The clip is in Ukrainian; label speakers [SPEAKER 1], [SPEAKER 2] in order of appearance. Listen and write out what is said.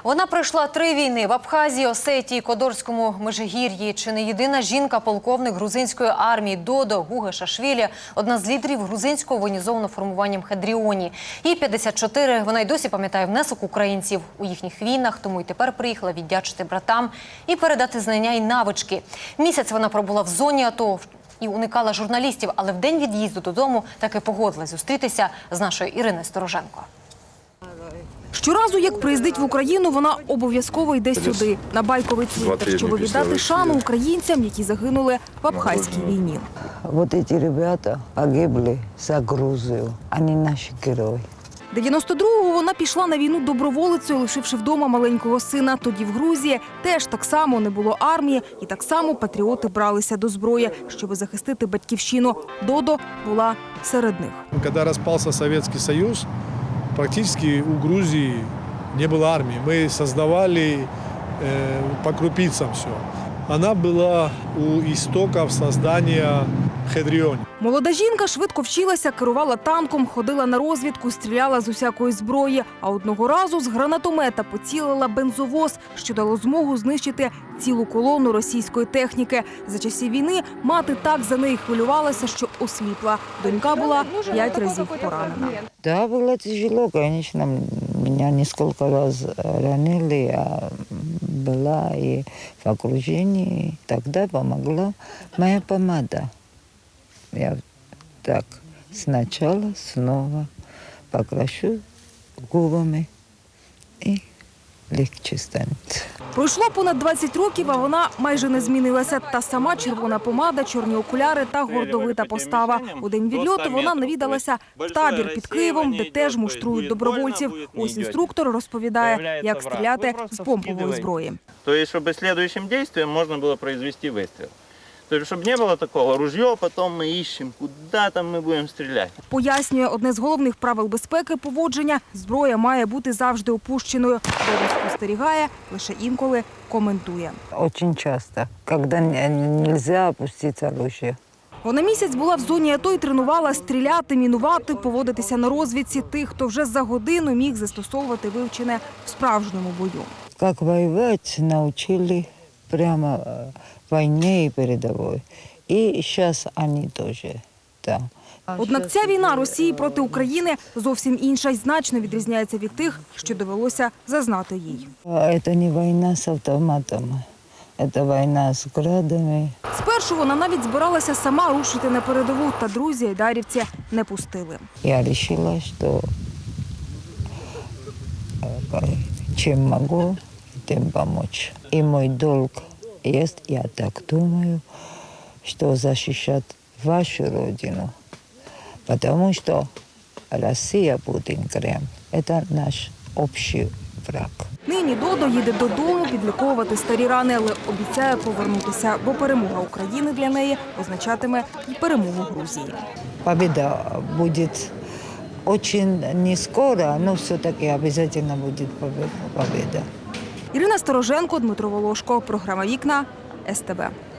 [SPEAKER 1] Вона пройшла 3 війни в Абхазії, Осетії, Кодорському Межигір'ї. Чи не єдина жінка-полковник грузинської армії Додо Гугешашвілі – одна з лідерів грузинського воєнізованого формування Мхедріоні. Їй 54, вона й досі пам'ятає внесок українців у їхніх війнах, тому й тепер приїхала віддячити братам і передати знання й навички. Місяць вона пробула в зоні АТО і уникала журналістів, але в день від'їзду додому таки погодилась зустрітися з нашою Іриною Стороженко.
[SPEAKER 2] Щоразу, як приїздить в Україну, вона обов'язково йде сюди, на Байковий цвинтар, щоб віддати шану українцям, які загинули в Абхазькій війні.
[SPEAKER 3] Вот эти ребята погибли за Грузию, они наши герої.
[SPEAKER 2] 92-го вона пішла на війну доброволицею, лишивши вдома маленького сина. Тоді в Грузії теж так само не було армії, і так само патріоти бралися до зброї, щоб захистити батьківщину. Додо була серед них.
[SPEAKER 4] Коли розпався Совєтський Союз, практически у Грузии не было армии. Мы создавали по крупицам все. Она была у истоков создания Мхедріоні.
[SPEAKER 2] Молода жінка швидко вчилася, керувала танком, ходила на розвідку, стріляла з усякої зброї. А одного разу з гранатомета поцілила бензовоз, що дало змогу знищити цілу колону російської техніки. За часів війни мати так за неї хвилювалася, що осліпла. Донька була 5 разів поранена.
[SPEAKER 3] Да, было тяжело, конечно. Меня несколько раз ранили, я была и в окружении. Тогда помогла моя помада. Я так сначала снова покрашу губами и легче станет.
[SPEAKER 2] Пройшло понад 20 років, а вона майже не змінилася. Та сама червона помада, чорні окуляри та гордовита постава. У день відльоту вона навідалася в табір під Києвом, де теж муштрують добровольців. Ось інструктор розповідає, як стріляти з помпової зброї.
[SPEAKER 5] Тобто, щоб слідуючим діям можна було провести вистріл. Тобто, щоб не було такого, ружье, потім ми іщемо, куди там ми будемо стріляти.
[SPEAKER 2] Пояснює, одне з головних правил безпеки поводження – зброя має бути завжди опущеною. Додо спостерігає, лише інколи коментує.
[SPEAKER 3] Очень часто, когда нельзя опустить оружие.
[SPEAKER 2] Вона місяць була в зоні АТО і тренувала стріляти, мінувати, поводитися на розвідці тих, хто вже за годину міг застосовувати вивчене в справжньому бою.
[SPEAKER 3] Как воевать научили прямо в войне и передовой. И сейчас они тоже, да.
[SPEAKER 2] Однак ця війна Росії проти України зовсім інша й значно відрізняється від тих, що довелося зазнати їй.
[SPEAKER 3] Это не война с автоматом, это война с градами.
[SPEAKER 2] Спершу вона навіть збиралася сама рушити на передову, та друзі айдарівці не пустили.
[SPEAKER 3] Я решила, что чем могу, тем помочь. И мой долг есть, я так думаю, что защищать вашу родину. Потому что Россия, Путин, Кремль – это наш общий враг.
[SPEAKER 2] Нині Додо їде додому підліковувати старі рани, але обіцяє повернутися, бо перемога України для неї означатиме і перемогу Грузії.
[SPEAKER 3] Победа будет очень не скоро, но все-таки обязательно будет победа.
[SPEAKER 2] Ірина Стороженко, Дмитро Волошко. Програма «Вікна», СТБ.